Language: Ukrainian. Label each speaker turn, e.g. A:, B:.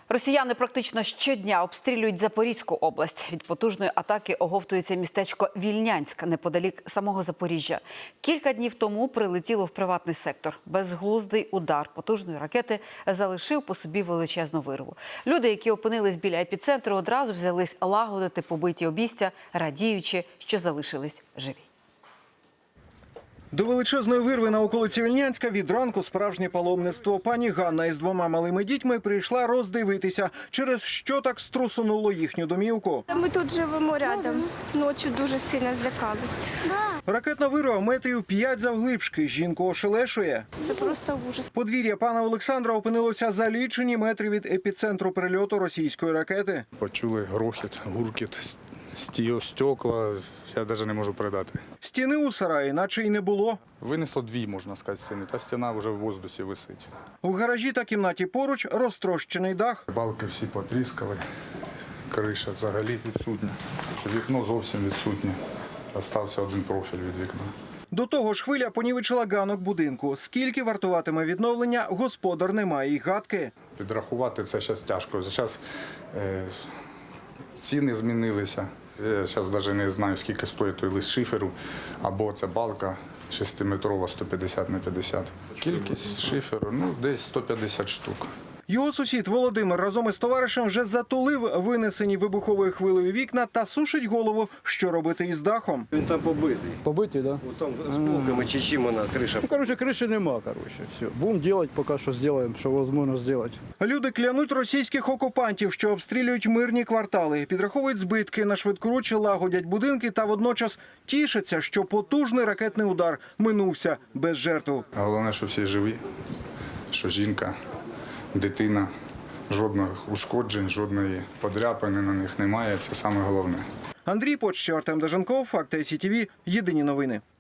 A: Росіяни практично щодня обстрілюють Запорізьку область. Від потужної атаки оговтується містечко Вільнянськ, неподалік самого Запоріжжя. Кілька днів тому прилетіло в приватний сектор. Безглуздий удар потужної ракети залишив по собі величезну вирву. Люди, які опинились біля епіцентру, одразу взялись лагодити побиті обійстя, радіючи, що залишились живі.
B: До величезної вирви на околиці Вільнянська від ранку справжнє паломництво. Пані Ганна із двома малими дітьми прийшла роздивитися, через що так струсунуло їхню домівку.
C: Ми тут живемо рядом. Ночі дуже сильно злякались.
B: Ракетна вирва метрів 5 завглибшки. Жінку ошелешує.
C: Це просто ужас.
B: Подвір'я пана Олександра опинилося за лічені метри від епіцентру прильоту російської ракети.
D: Почули грохіт, гуркіт, стекла, я навіть не можу передати.
B: Стіни у сараї наче й не було.
D: Винесло дві, можна сказати, стіни, та стіна вже в воздусі висить.
B: У гаражі та кімнаті поруч розтрощений дах.
D: Балки всі потріскали, криша взагалі відсутня, вікно зовсім відсутнє. Остався один профіль від вікна.
B: До того ж хвиля понівечила ганок будинку. Скільки вартуватиме відновлення, господар не має й гадки.
D: Підрахувати це зараз тяжко. Зараз ціни змінилися. Я зараз навіть не знаю, скільки стоїть той лист шиферу, або ця балка 6-метрова 150 на 50. Кількість шиферу, десь 150 штук.
B: Його сусід Володимир разом із товаришем вже затулив винесені вибуховою хвилею вікна та сушить голову, що робити із дахом.
E: Він там побитий.
F: Побитий, да?
E: Там з булками чи чим вона криша.
F: Криші нема, все. Будемо робити, поки що зробимо, що можливо зробити.
B: Люди клянуть російських окупантів, що обстрілюють мирні квартали, підраховують збитки, на швидкоруч лагодять будинки та водночас тішаться, що потужний ракетний удар минувся без жертв.
D: Головне, що всі живі, що жінка, дитина, жодних ушкоджень, жодної подряпини на них немає. Це саме головне.
B: Андрій Почтєв, Артем Деженков, Факти СІТВ, єдині новини.